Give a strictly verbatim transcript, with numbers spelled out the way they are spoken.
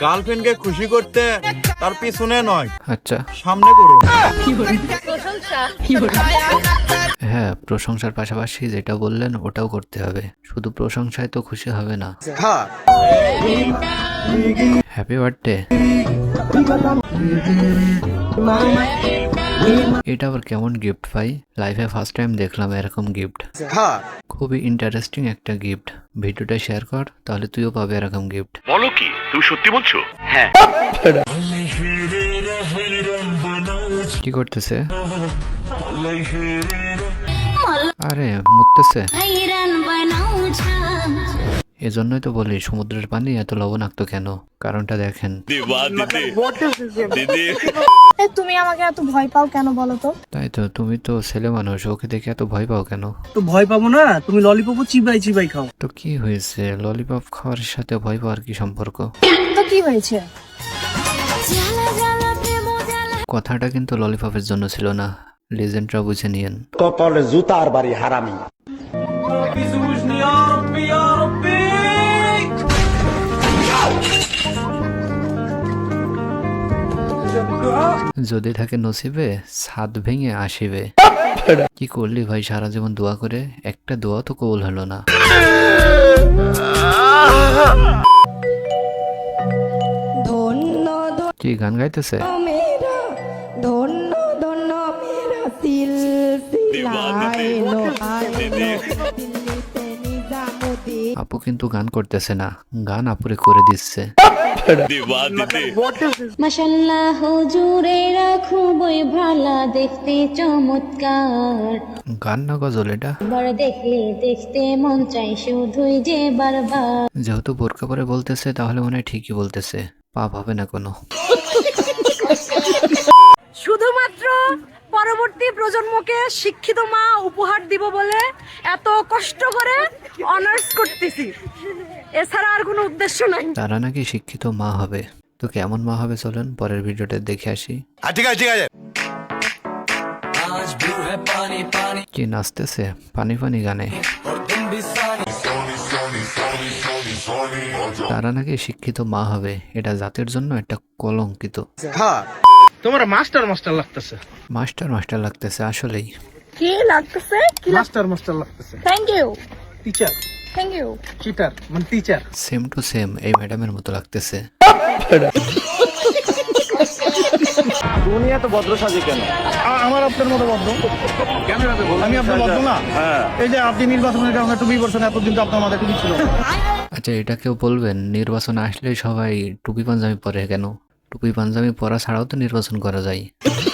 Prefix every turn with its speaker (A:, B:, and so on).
A: গার্লফ্রেন্ডকে খুশি করতে তার পিছনে নয়,
B: আচ্ছা
A: সামনে করুন।
B: হ্যাঁ, প্রশংসার পাশাপাশি যেটা বললেন ওটাও করতে হবে, শুধু প্রশংসায় তো খুশি হবে না। Happy birthday. এটা আবার কেমন গিফট ভাই? লাইফে ফার্স্ট টাইম দেখলাম এরকম গিফট, খুবই ইন্টারেস্টিং একটা গিফট। ভিডিওটা শেয়ার কর, তাহলে তুইও পাবে এরকম গিফট।
C: বলো কি তুমি সত্যি বলছো? হ্যাঁ।
B: কি করতেছে? আরে মুততেছে। এজন্যই তো বলি সমুদ্রের পানি এত লবণাক্ত কেন, কারণটা দেখেন।
D: তুমি আমাকে এত ভয় পাও কেন বলো তো?
B: তাই তো, তুমি তো ছেলে মানুষ, ওকে দেখে এত ভয় পাও কেন?
E: তো ভয় পাবো না, তুমি ললিপপও চিবাই চিবাই খাও।
B: তো কি হয়েছে, ললিপপ খাওয়ার সাথে ভয় পাওয়ার কি সম্পর্ক?
D: তো কি হয়েছে?
B: কথাটা কিন্তু ললিপপের জন্য ছিল না, লেজেন্ডরা বুঝে নিয়েন।
F: কপালে জুতার বাড়ি হারামি।
B: যদি থাকে নসিবে, ছাদ ভেঙে আসিবে। কি করলি ভাই সারা জীবন দোয়া করে, একটা দোয়া তো কবুল হলো না। কি গান গাইতেছে? আপু কিন্তু গান করতেছে না, গান আপুরে করে দিচ্ছে।
G: মাশাআল্লাহ হুজুরেরা খুবই ভালো দেখতে, চমৎকার।
B: গান না গজল এটা?
G: বড় দেখলে দেখতে মন চাই শুধুই যে বারবার।
B: যেহেতু বোরকা পরে বলতেছে তাহলে মনে হয় ঠিকই বলতেছে, পাপ হবে না কোনো।
D: শুধুমাত্র পরবর্তী প্রজন্মকে শিক্ষিত মা উপহার দিব বলে এত কষ্ট করে অনার্স করতেছি, এছাড়া আর কোনো উদ্দেশ্য নাই।
B: তারা নাকি শিক্ষিত মা হবে, তো কেমন মা হবে চলেন পরের ভিডিওটা দেখে আসি।
A: ঠিক আছে ঠিক আছে।
B: কি নাচতেছে পানি পানি গানে? তারা নাকি শিক্ষিত মা হবে, এটা জাতির জন্য একটা কলঙ্কিত।
E: তোমার মাস্টার মাস্টার লাগতেছে।
B: মাস্টার মাস্টার লাগতেছে আসলেই।
D: কি লাগতেছে? কি
E: মাস্টার মাস্টার লাগতেছে।
D: Thank you,
E: teacher.
D: Thank you.
E: Cheater মানে টিচার।
B: সেম টু সেম এই ম্যাডামের মতো লাগতেছে।
A: দুনিয়া তো ভদ্র সাজে কেন?
E: আমার আপনার মতো ভদ্র কেন? আমি আপনার ভদ্র না? এই যে আপনি নির্বাচনের কারণে টুপি পরছেন, এতদিন তো আপনার মাথায় টুপি ছিল।
B: আচ্ছা এটা কেউ বলবেন নির্বাচন আসলে সবাই টুপি পাঞ্জাবি পরে কেন? টুপি পাঞ্জাবি পরা ছাড়াও তো নির্বাচন করা যায়।